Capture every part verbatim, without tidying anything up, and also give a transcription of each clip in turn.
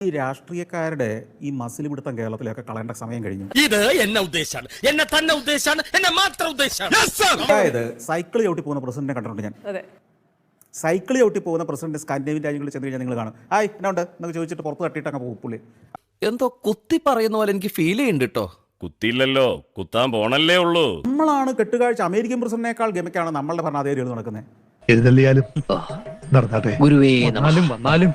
ഈ രാഷ്ട്രീയക്കാരുടെ ഈ മസിൽ പിടുത്തം കേരളത്തിലൊക്കെ കളയേണ്ട സമയം കഴിഞ്ഞു. ഇത് എന്നെ ഉദ്ദേശാണ്, എന്നെ തന്നെ ഉദ്ദേശാണ്, എന്നെ മാത്രം ഉദ്ദേശാണ്. അതായത് സൈക്കിൾ ചവിട്ടി പോകുന്ന പ്രസിഡന്റിനെ കണ്ടിട്ടുണ്ട് ഞാൻ. സൈക്കിൾ ചവിട്ടി പോകുന്ന പ്രസിഡന്റ് സ്കാൻഡിനേവിയൻ രാജ്യങ്ങളിൽ ചെന്ന് കഴിഞ്ഞാൽ നിങ്ങൾ കാണും, ഹായ് എന്നാ ഉണ്ട് എന്നൊക്കെ ചോദിച്ചിട്ട് പുറത്ത് തട്ടിയിട്ട് അങ്ങ് പോകും പുള്ളി. എന്തോ കുത്തി പറയുന്ന പോലെ എനിക്ക് ഫീൽ ചെയ്യുന്നുണ്ട് കേട്ടോ. കുത്തിയില്ലല്ലോ, കുത്താൻ പോണല്ലേ ഉള്ളൂ. നമ്മളാണ് കെട്ടുകാഴ്ച. അമേരിക്കൻ പ്രസിഡന്റിനേക്കാൾ ഗമയ്ക്കാണ് നമ്മളുടെ ഭരണാധികാരികൾ നടക്കുന്നത്. എഴുന്നള്ളിയാലും നടന്നാട്ടെ. ഗുരുവേ വന്നാലും വന്നാലും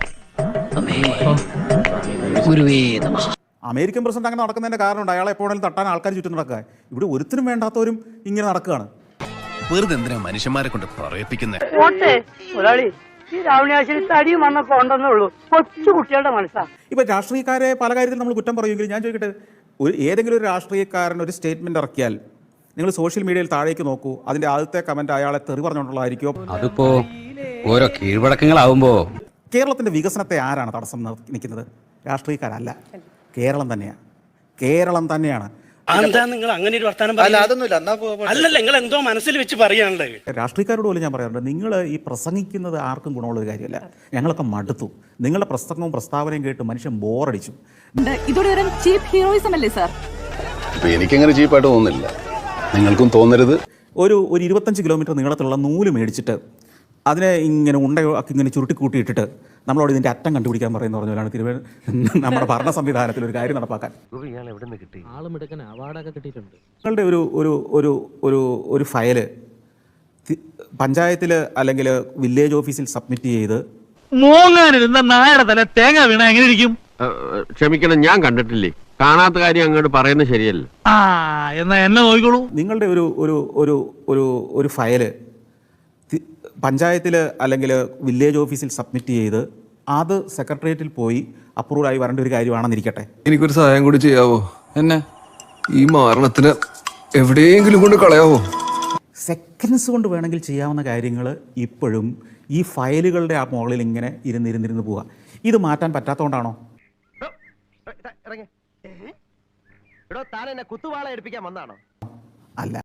ഗുരുവേ നമഃ. അമേരിക്കൻ പ്രസിഡന്റ് അങ്ങനെ നടക്കുന്നതിന്റെ കാരണം അയാളെ എപ്പോഴും തട്ടാൻ ആൾക്കാർ ചുറ്റും നടക്കുക. ഇവിടെ ഒരുത്തിനും വേണ്ടാത്തവരും ഇങ്ങനെ നടക്കുകയാണ്. വെറുതെ എന്തിനാ മനുഷ്യന്മാരെ കൊണ്ട് പറയിപ്പിക്കുന്നത്? ഈ രാവണാശ്വരി തടിയും വന്നൊക്കെ ഉണ്ടെന്നേ ഉള്ളൂ. കൊച്ചു കുട്ടികളുടെ മനസ്സാ. ഇപ്പൊ രാഷ്ട്രീയക്കാരെ പല കാര്യത്തിൽ നമ്മൾ കുറ്റം പറയുമെങ്കിൽ ഞാൻ ചോദിക്കട്ടെ, ഒരു ഏതെങ്കിലും ഒരു രാഷ്ട്രീയക്കാരൻ ഒരു സ്റ്റേറ്റ്മെന്റ് ഇറക്കിയാൽ നിങ്ങൾ സോഷ്യൽ മീഡിയയിൽ താഴേക്ക് നോക്കൂ, അതിന്റെ ആദ്യത്തെ കമന്റ് അയാളെ തെറി പറഞ്ഞുകൊണ്ടുള്ളതായിരിക്കും. അതിപ്പോ ഓരോ കീഴ്വഴക്കങ്ങളാവുമ്പോ കേരളത്തിന്റെ വികസനത്തെ ആരാണ് തടസ്സം നിൽക്കുന്നത്? രാഷ്ട്രീയക്കാരല്ല, കേരളം തന്നെയാണ്. കേരളം തന്നെയാണ്. എന്താ നിങ്ങൾ അങ്ങനെ ഒരു വർത്താനം അല്ലല്ല, നിങ്ങൾ എന്തോ മനസ്സിൽ വെച്ച് പറയാനുള്ളത്. രാഷ്ട്രീയക്കാരോട് പോലും ഞാൻ പറയാറുണ്ട്, നിങ്ങൾ ഈ പ്രസംഗിക്കുന്നത് ആർക്കും ഗുണമുള്ള ഒരു കാര്യമല്ല. ഞങ്ങളൊക്കെ മടുത്തു. നിങ്ങളുടെ പ്രസംഗവും പ്രസ്താവനയും കേട്ട് മനുഷ്യൻ ബോറടിച്ചു. ഇതോടെ ചീപ്പ് ഹീറോയിസം അല്ലേ സാർ? എനിക്കങ്ങനെ ചീപ്പായിട്ട് തോന്നുന്നില്ല, നിങ്ങൾക്കും തോന്നരുത്. ഒരു ഒരു ഇരുപത്തഞ്ച് കിലോമീറ്റർ നീളത്തിലുള്ള നൂല് മേടിച്ചിട്ട് അതിനെ ഇങ്ങനെ ഉണ്ടയാക്കി ഇങ്ങനെ ചുരുട്ടിക്കൂട്ടി ഇട്ടിട്ട് നമ്മളോട് ഇതിൻ്റെ അറ്റം കണ്ടുപിടിക്കാൻ പറയുന്ന പറഞ്ഞാലാണ് തിരുവനന്തപുരം നമ്മുടെ ഭരണ സംവിധാനത്തിൽ ഒരു കാര്യം നടപ്പാക്കാൻ. നിങ്ങളുടെ ഒരു ഒരു ഒരു ഒരു ഒരു ഫയല് പഞ്ചായത്തിൽ അല്ലെങ്കിൽ വില്ലേജ് ഓഫീസിൽ സബ്മിറ്റ് ചെയ്ത് മോങ്ങാനിരുന്ന നായയുടെ തല തേങ്ങ വീണ എങ്ങനെ ഇരിക്കും? ക്ഷമിക്കണം, ഞാൻ കണ്ടിട്ടില്ലേ. കാണാത്ത കാര്യം അങ്ങോട്ട് പറയുന്നത് ശരിയല്ല. ആ എന്നാ എന്നെ നോക്കിക്കോളൂ. നിങ്ങളുടെ ഒരു ഒരു ഒരു ഒരു ഒരു ഫയല് പഞ്ചായത്തിൽ അല്ലെങ്കിൽ വില്ലേജ് ഓഫീസിൽ സബ്മിറ്റ് ചെയ്ത് അത് സെക്രട്ടേറിയറ്റിൽ പോയി അപ്രൂവൽ ആയി വരേണ്ട ഒരു കാര്യമാണെന്നിരിക്കട്ടെ. എനിക്കൊരു സഹായം കൂടി ചെയ്യാവോ? എന്നെ ഈ മാരണത്തിന് എവിടെയെങ്കിലും കൊണ്ട് കളയാവോ? സെക്കൻഡ്സ് കൊണ്ട് വേണമെങ്കിൽ ചെയ്യാവുന്ന കാര്യങ്ങൾ ഇപ്പോഴും ഈ ഫയലുകളുടെ ആ മുകളിൽ ഇങ്ങനെ ഇരുന്നിരുന്നിരുന്ന് പോവുക. ഇത് മാറ്റാൻ പറ്റാത്തതുകൊണ്ടാണോ? താൻ എന്നെ കുത്തുവാള എടുപ്പിക്കാൻ വന്നാണോ? അല്ല.